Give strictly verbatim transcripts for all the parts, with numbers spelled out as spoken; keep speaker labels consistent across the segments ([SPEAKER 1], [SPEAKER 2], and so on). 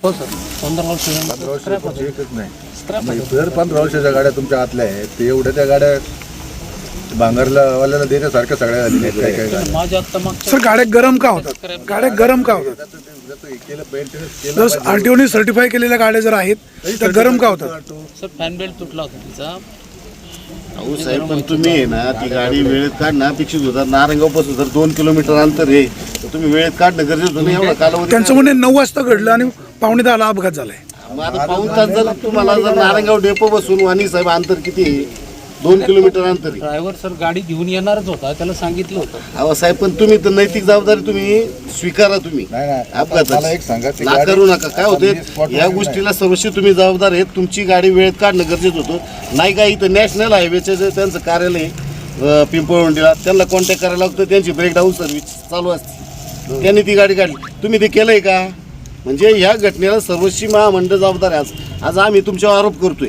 [SPEAKER 1] हो सर पंधरा वर्ष
[SPEAKER 2] पंधरा वर्ष एकच नाही जर पंधरा वर्षाच्या गाड्या तुमच्या आतल्या आहेत ते एवढ्या त्या गाड्या भांगरला वाल्याला देण्यासारख्या सगळ्या झालेल्या आहेत. काय काय गाड्या
[SPEAKER 1] माझ्या आता मागच्या
[SPEAKER 3] सर गाड्या गरम का होतात गाड्या गरम का होतात
[SPEAKER 2] केलं मेंटेनन्स केलं
[SPEAKER 3] जर आरटीओने सर्टिफाय केलेल्या गाड्या जर आहेत तर गरम का होतात
[SPEAKER 1] सर फॅन बेल्ट तुटला होता तिचा.
[SPEAKER 4] अहो साहेब पण तुम्ही आहे ना ती गाडी वेळेत काढणं अपेक्षित होता. नारंगावपासून जर दोन किलोमीटर अंतर आहे तर तुम्ही वेळेत काढणं गरजेचं होतं. एवढा कालावधी
[SPEAKER 3] त्यांचं म्हणणे नऊ वाजता घडलं आणि पावणे दहाला अपघात झालाय.
[SPEAKER 4] मग आता पाऊन तास जर तुम्हाला जर नारंगाव डेपो बसून वाणी साहेब अंतर किती आहे? दोन किलोमीटर अंतर आहे.
[SPEAKER 1] ड्रायव्हर सर गाडी घेऊन येणारच होता त्याला सांगितलं होतं.
[SPEAKER 4] अहो साहेब पण तुम्ही तर नैतिक जबाबदारी तुम्ही स्वीकारा. तुम्ही
[SPEAKER 2] नाही नाही
[SPEAKER 4] अपघात
[SPEAKER 2] मला एक सांगा ती
[SPEAKER 4] ना
[SPEAKER 2] गाडी-
[SPEAKER 4] करू नका. काय होते
[SPEAKER 2] मी spot
[SPEAKER 4] या
[SPEAKER 2] वर
[SPEAKER 4] गोष्टीला सर्वस्वी तुम्ही जबाबदार आहेत. तुमची गाडी वेळेत काढणं गरजेचं होतं. नाही का इथं नॅशनल हायवेचे जे त्यांचं कार्यालय आहे, पिंपळवंडीला त्यांना कॉन्टॅक्ट करायला लागतं. त्यांची ब्रेकडाऊन सर्व्हिस चालू असते. त्यांनी ती गाडी काढली. तुम्ही ते केलंय का? म्हणजे ह्या घटनेला सर्वस्वी महामंडळ जबाबदार आहे. आज आज आम्ही तुमच्यावर आरोप करतोय.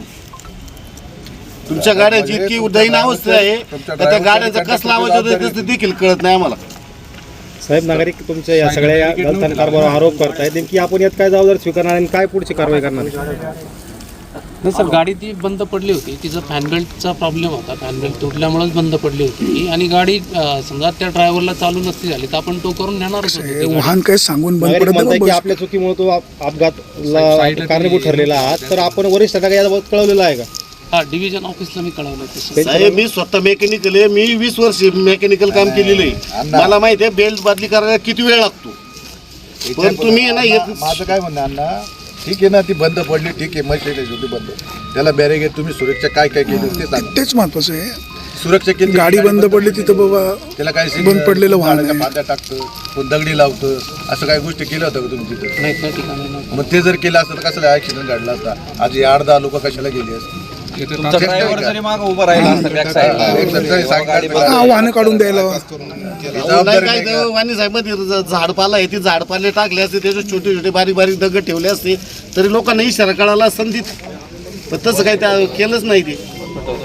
[SPEAKER 4] तुमच्या गाड्यांची इतकी दयनीय अवस्था आहे का त्या गाड्यांचा कसला आवाज होतो ते देखील कळत नाही आम्हाला.
[SPEAKER 5] साहेब नागरिक तुमच्या या सगळ्या या गलथान कारभारावर आरोप करतायत. नेमकी आपण यात काय जबाबदारी स्वीकारणार आणि काय पुढची कारवाई करणार?
[SPEAKER 1] नाही सर गाडी ती बंद पडली होती. तिचा फॅन बेल्टचा प्रॉब्लेम होता. फॅन बेल्ट तुटल्यामुळेच बंद पडली होती आणि गाडी अं, समजा त्या ड्रायव्हरला चालू नसती झाली तर आपण तो करून नेणारच होतो ती गाडी.
[SPEAKER 3] वाहन काही सांगून बंद
[SPEAKER 5] नागरिक
[SPEAKER 3] पडत
[SPEAKER 5] म्हणताय की
[SPEAKER 3] नाही.
[SPEAKER 5] आपल्या चुकीमुळे तो अप- अपघात कारणीभूत ठरलेला आहात. तर आपण वरिष्ठांना याबाबत कळवलेलं आहे का?
[SPEAKER 1] हा डिव्हिजन ऑफिसला मी कळवलं तसं.
[SPEAKER 4] साहेब मी स्वतः मेकॅनिकल आहे. मी वीस वर्ष मेकॅनिकल काम केलेलं आहे. मला माहिती आहे बेल्ट बदली करायला किती वेळ लागतो. पण तुम्ही आहे ना
[SPEAKER 2] मा-
[SPEAKER 4] हे-
[SPEAKER 2] माझं काय म्हणणं अण्णा ठीक आहे ना ती बंद पडली ठीक आहे मशीन होती बंद त्याला बॅरेगेट तुम्ही सुरक्षा काय काय केली ते सांगा.
[SPEAKER 3] तेच महत्वाचं आहे.
[SPEAKER 2] सुरक्षा केली
[SPEAKER 3] गाडी बंद पडली तिथं बाबा
[SPEAKER 2] त्याला काय
[SPEAKER 3] बंद पडलेलं वाहन आहे.
[SPEAKER 2] पाद्या टाकतं कोण दगडी लावतं असं काही गोष्टी केल्या होत्या का तुम्ही तिथं?
[SPEAKER 1] नाही त्या ठिकाणी नव्हतं.
[SPEAKER 2] मग ते जर केलं असतं तर कशाला ऍक्सिडेंट घडला असता? आज आठ दहा लोक कशाला गेली असती?
[SPEAKER 6] तुमचा ड्रायव्हर जरी मागं उभा राहिला असता बॅक साईडला
[SPEAKER 2] एक सरकारी सांगितलं
[SPEAKER 3] हा वाहनं काढून द्यायला
[SPEAKER 4] अहो, नाही काय ते वाणी साहेब मध्ये झाडपाला आहे ती झाडपाले टाकले असते त्याच्यात छोटे छोटे बारीक बारीक दगड ठेवले असते तरी लोकांना इशारा कळाला संधीत. पण तसं काही त्या केलंच नाही ते.